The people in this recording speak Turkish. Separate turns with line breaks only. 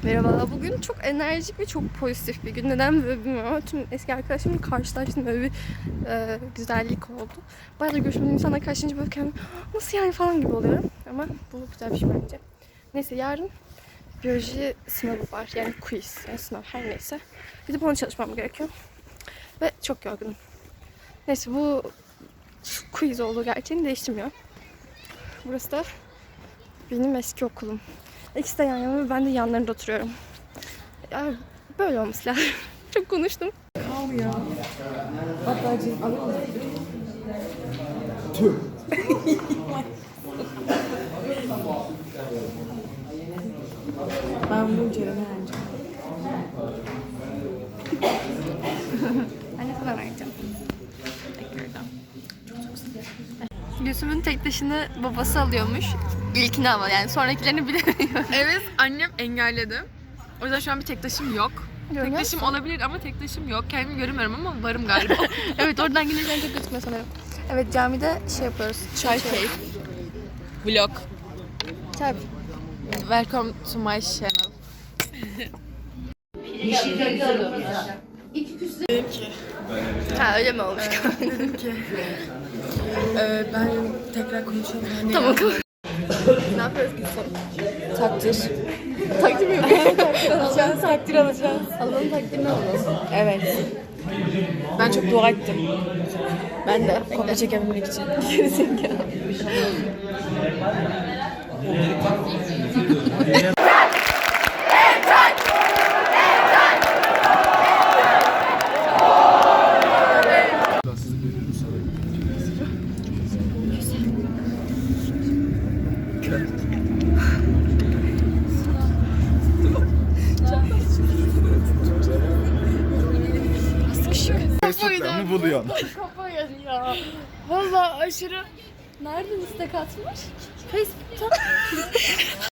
Merhaba. Bugün çok enerjik ve çok pozitif bir gün. Neden böyle bilmiyorum ama tüm eski arkadaşlarımla karşılaştım. Böyle bir güzellik oldu. Bayağı da görüşmediğim insanla karşılaşınca böyle kendimi nasıl yani falan gibi oluyorum. Ama bu güzel bir şey bence. Neyse yarın biyoloji sınavı var. Yani quiz, yani sınav her neyse. Gidip ona çalışmam gerekiyor. Ve çok yorgunum. Neyse bu quiz olduğu gerçeğini değiştirmiyor. Burası da benim eski okulum. İkisi de yan yana ve ben de yanlarında oturuyorum. Ya böyle olması lazım. Çok konuştum.
Kal ya. Hatta alır mısın?
Tüh.
Ben bunu Ceren'e vereceğim.
Anne sana vereceğim. Gülsüm'ün tek taşını babası alıyormuş. İlkini ama yani sonrakilerini bilemiyorum.
Evet, annem engelledi. O yüzden şu an bir tek taşım yok.
Görüyor
Tek taşım olabilir ama tek taşım yok. Kendimi göremiyorum ama varım galiba.
Evet oradan gelirken çok gözükmüyor sanırım. Evet camide şey yapıyoruz.
Çay keyif. Vlog.
Çay.
Welcome to my channel.
Ha öyle mi olmuş?
Dedim ki ben tekrar konuşalım. Yani
Tamam.
ne yapıyoruz Gülsüm?
Takdir.
Takdim yok.
Alacağız, takdir alacağız.
Alalım takdimi alalım.
Evet. Ben çok dua ettim.
Ben de.
Kopya çekebilmek için.
Facebook'tan mı buluyorsun?
Kafa ya. Valla aşırı. Nereden istek atmış? Facebook'tan.